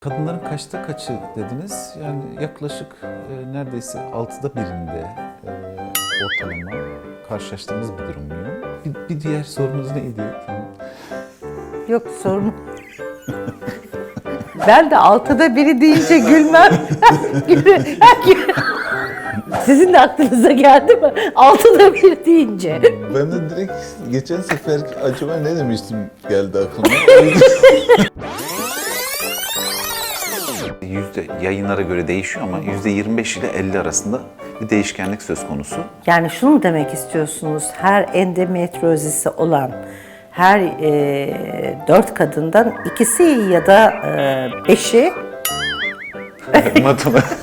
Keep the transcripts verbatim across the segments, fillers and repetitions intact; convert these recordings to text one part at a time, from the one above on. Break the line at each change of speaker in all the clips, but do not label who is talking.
Kadınların kaçta kaçı dediniz? Yani yaklaşık e, neredeyse altıda birinde e, ortalama karşılaştığımız bir durum mu? Bir, bir diğer sorunuz neydi?
Yok sorun. Ben de altıda biri deyince gülmem. Sizin de aklınıza geldi mi? Altıda bir deyince.
Ben de direkt geçen sefer acaba ne demiştim geldi aklıma. Yüzde yayınlara göre değişiyor ama yüzde yirmi beş ile elli arasında bir değişkenlik söz konusu.
Yani şunu mu demek istiyorsunuz? Her endometriozisi olan her e, dört kadından ikisi ya da e, beşi
Matematik.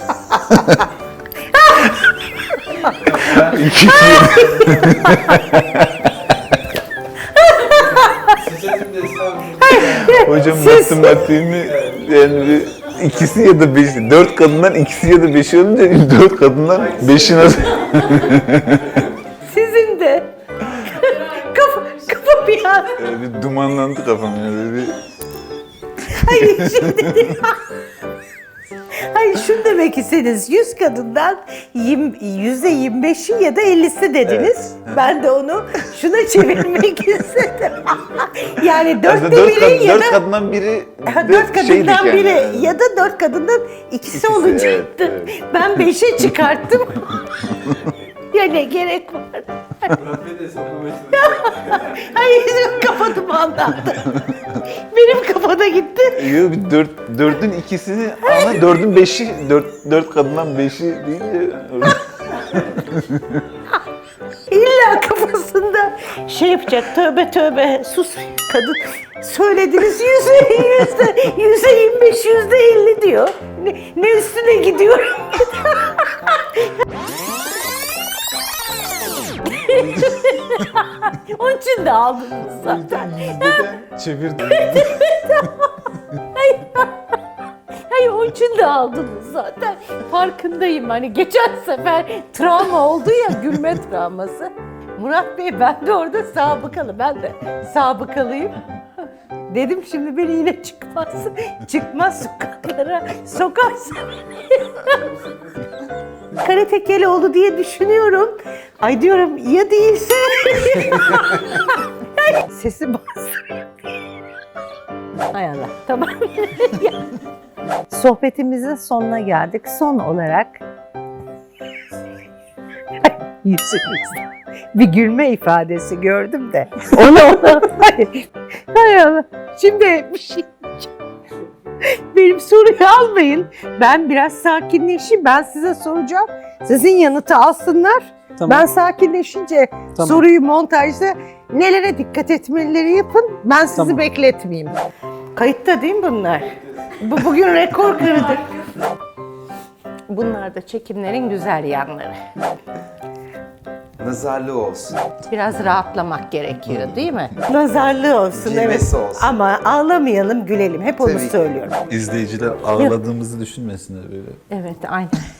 Hocam
Siz-
matematiğimi yani bir ikisi ya da beşi, dört kadından ikisi ya da beşi olunca dört kadından beşi nasıl?
sizin de kafa, kafa bir an.
Böyle bir dumanlandı kafam ya böyle bir.
Hayır şimdi. Hayır şunu demek istediniz. yüz kadından yüzde yirmi beşi ya da ellisi dediniz.
Evet.
Ben de onu şuna çevirmek istedim. Yani dörtte
Aslında dört,
biri
kad-
ya
dört
da
kadından biri
Ha,
de
dört kadından
şeydik yani.
biri ya da dört kadından ikisi,
İkisi,
olacaktı.
evet, evet.
Ben beşe çıkarttım. Ya ne gerek var? Hayır kafa dumanlandı. Benim kafada gitti.
Yok bir dört, dördün ikisini ama dördün beşi, dört, dört kadından beşi deyince
İlla kafasında şey yapacak, tövbe tövbe, sus kadın. Söylediniz yüzde, yüzde, yüzde yirmi beş, yüzde elli diyor. Ne, ne üstüne gidiyorum. Onun için de aldınız zaten.
yüzdeden çevirdim.
Hayır, onun için de aldınız zaten. Farkındayım. Hani geçen sefer travma oldu ya, gülme travması. Murat Bey, ben de orada sabıkalı. Ben de sabıkalıyım. Dedim şimdi beni yine çıkmaz. Çıkmaz sokaklara. Sokarsa beni. Karate Keloğlu diye düşünüyorum. Ay diyorum ya değilse. Sesi bastırıyor. Hay Allah. Tamam. Sohbetimizin sonuna geldik. Son olarak yüzünüzde bir gülme ifadesi gördüm de. Onu ona. Hay, hay Allah. Şimdi bir şey benim soruyu almayın. Ben biraz sakinleşeyim. Ben size soracağım. Sizin yanıtı alsınlar.
Tamam.
Ben sakinleşince
Tamam.
soruyu montajda nelere dikkat etmeleri yapın. Ben sizi
Tamam.
bekletmeyeyim. Kayıtta değil mi bunlar? Bu bugün rekor kırdı. Bunlar da çekimlerin güzel yanları.
Nazarlı olsun.
Biraz rahatlamak gerekiyor değil mi? Nazarlı olsun, evet.
Cilvesi olsun.
Ama ağlamayalım, gülelim. Hep onu
Tabii ki.
söylüyorum.
İzleyiciler ağladığımızı düşünmesinler böyle.
Evet, aynen.